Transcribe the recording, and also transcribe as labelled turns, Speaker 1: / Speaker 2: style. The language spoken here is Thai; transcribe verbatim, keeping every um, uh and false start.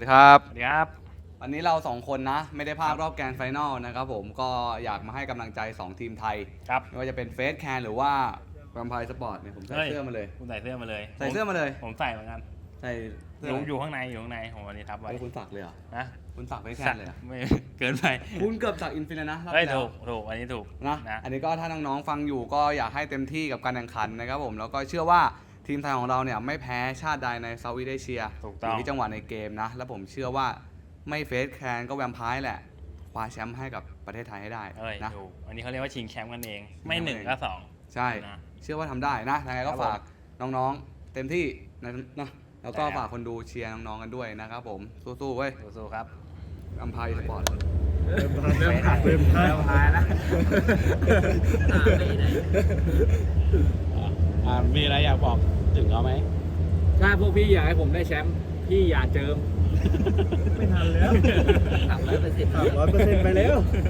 Speaker 1: ดีครับ
Speaker 2: สวัสดีครับ
Speaker 1: วันนี้เราสองคนนะไม่ได้พลาดรอบแกรนด์ไฟนอลนะครับผมก็อยากมาให้กำลังใจสองทีมไทย
Speaker 2: ครับ
Speaker 1: ไม่ว่าจะเป็นเฟสแคนหรือว่าแวมไพร์สปอร์ตเนี่ยผมใส่เสื้อมาเลย
Speaker 2: คุณใส่เสื้อมาเลย
Speaker 1: ใส่เสื้อมาเลย
Speaker 2: ผมใส่เหมือนกัน
Speaker 1: ใส่เสื้
Speaker 2: อยู่อยู่ข้างในอยู่ข้างในผมวันนี้ทับไว้
Speaker 1: ไว้คุณสักเลยเหรอ
Speaker 2: นะ
Speaker 1: คุณสักเฟสแคนเลยเหรอ
Speaker 2: ไม่ เกินไป
Speaker 1: คุณเกือบสักอินฟินิตนะรอบ
Speaker 2: เฮ้ย
Speaker 1: ที่แล้
Speaker 2: ถู
Speaker 1: ว
Speaker 2: กถูกอันนี้ถูก
Speaker 1: นะ
Speaker 2: นะ
Speaker 1: อันนี้ก็ถ้าน้องๆฟังอยู่ก็อยากให้เต็มที่กับการแข่งขันนะครับผมแล้วก็เชื่อว่าทีมไทยของเราเนี่ยไม่แพ้ชาติใดในเซาท์อีสต์เอเชีย
Speaker 2: ถูก
Speaker 1: อ
Speaker 2: ต้อง
Speaker 1: ยู่ที่จังหวะในเกมนะแล้วผมเชื่อว่าไม่เฟสแคนก็แวมไพร์แหละคว้าแชมป์ให้กับประเทศไทยให้ได้
Speaker 2: เอ้ย
Speaker 1: นะ
Speaker 2: ถูกอันนี้เขาเรียกว่าชิงแชมป์กันเอง ไม่
Speaker 1: ชิงแชมป์
Speaker 2: หนึ่ง
Speaker 1: เอง
Speaker 2: ก็สอง
Speaker 1: ใช่
Speaker 2: นะ
Speaker 1: เชื่อว่าทำได้นะยังไงก็
Speaker 2: ครับผม
Speaker 1: ฝากน้องๆ เต็มที่นะนะแล้วก็
Speaker 2: ใช่ครับ
Speaker 1: ฝากคนดูเชียร์น้องๆกันด้วยนะครับผม สู้ๆเว้ย
Speaker 2: สู้ๆครับ
Speaker 1: อัมพายสปอร์ต
Speaker 3: เริ่มพายเริ่มพายเริ่มพาย
Speaker 2: เริ่มพายแล้ว
Speaker 4: อ่ามีอะไรอยากบอกถึงเขาไหม
Speaker 3: ถ้าพวกพี่อยากให้ผมได้แชมป์พี่อย่าเจิม ไม่ทันแล้ว
Speaker 5: สามร้อยเปอร์เซ็นต์
Speaker 3: ร้อยเปอร์เซ็นต์ไปแล้ว